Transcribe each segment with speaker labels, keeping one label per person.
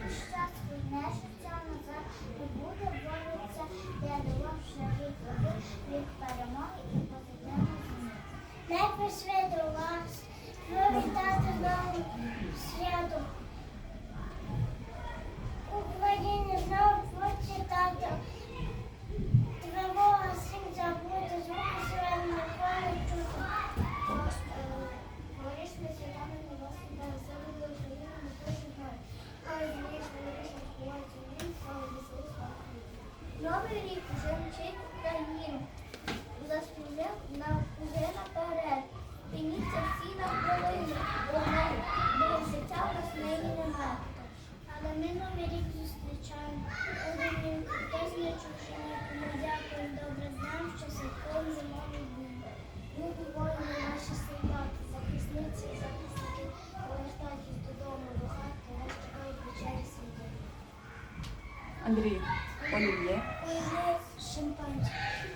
Speaker 1: щас війне життя назад не буде, борються, де довше рік води, рік перемоги і позитивних змін. Не прийшли до вас, привітати знову свято. Україні знову почитати. Тривога всім забути, звуки сирен на полі чути. Горішні святами на вас іде, себе до України не поживає. Але звісно, вирішно співається він, слава веселу славу. Новий рік вже мчить Україну. Заспівав нам уже наперед. Пініться всі на хвилину, вогнею, бо життя в нас нині немає. Але ми новий рік зустрічаємо. Один хтось не чужині, ми дякуємо, добре знаємо, що святкуємо зимовий день. Любі воїни наші солдати, захисниці і захисники, повертайтесь додому, до хати, вас чекають вечері світи.
Speaker 2: Андрій, олів'є
Speaker 1: Олів'є, шимпанське,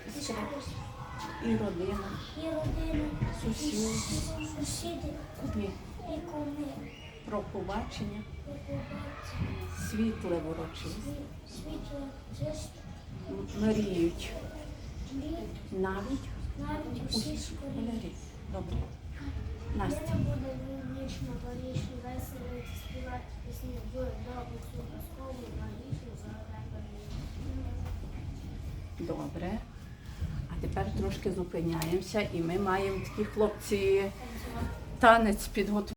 Speaker 2: і родина,
Speaker 1: і родина,
Speaker 2: Сусіди.
Speaker 1: сусіди,
Speaker 2: кумі
Speaker 1: і куми,
Speaker 2: про побачення,
Speaker 1: і побачення,
Speaker 2: світле ворочисте,
Speaker 1: світло, чисто,
Speaker 2: мріють
Speaker 1: літ,
Speaker 2: навіть
Speaker 1: навіть усі школі.
Speaker 2: школярі. Добре. Настя.
Speaker 1: Миром буде вічно, горішно, весело, співати пісні, дуже добру, цю казкову, магічну, загадаю.
Speaker 2: Добре. А тепер трошки зупиняємося і ми маємо такі хлопці танець підготувати.